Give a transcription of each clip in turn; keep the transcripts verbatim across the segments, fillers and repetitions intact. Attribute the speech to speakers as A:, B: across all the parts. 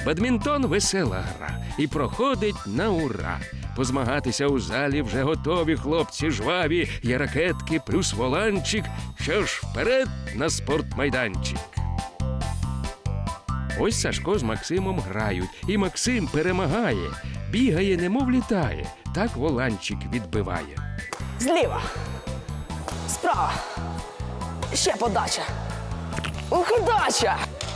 A: Бадмінтон – весела гра і проходить на ура. Позмагатися у залі вже готові хлопці жваві, є ракетки плюс воланчик. Що ж, вперед на спортмайданчик. Ось Сашко з Максимом грають, і Максим перемагає. Бігає, немов літає, так воланчик відбиває.
B: Зліва. Справа. Ще подача. Ухидача!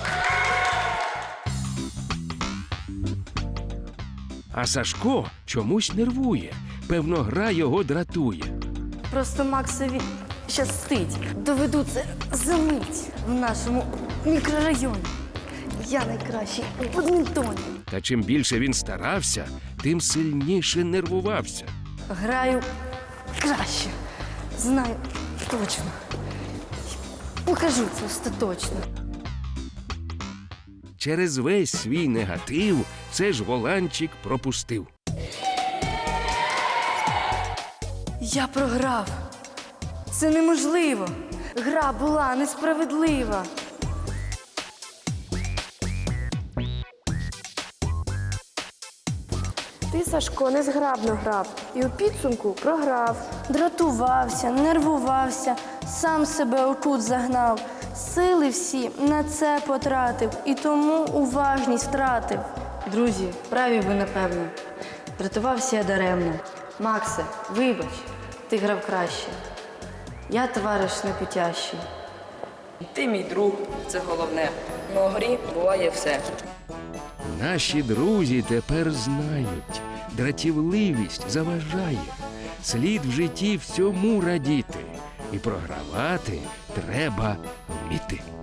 A: А Сашко чомусь нервує. Певно, гра його дратує.
C: Просто Максові щастить. Доведу це за мить в нашому мікрорайоні. Я найкращий у бадмінтоні.
A: Та чим більше він старався, тим сильніше нервувався.
C: Граю краще. Знаю точно. Покажу це остаточно.
A: Через весь свій негатив все ж воланчик пропустив.
C: Я програв. Це неможливо. Гра була несправедлива.
D: Ти, Сашко, незграбно грав і у підсумку програв.
C: Дратувався, нервувався, сам себе у кут загнав. Сили всі на це потратив і тому уважність втратив. Друзі, праві ви, напевно. Дратувався я даремно. Максе, вибач, ти грав краще. Я товариш непотящий.
B: Ти мій друг, це головне. На грі буває все.
A: Наші друзі тепер знають, дратівливість заважає. Слід в житті всьому радіти, і програвати треба вміти.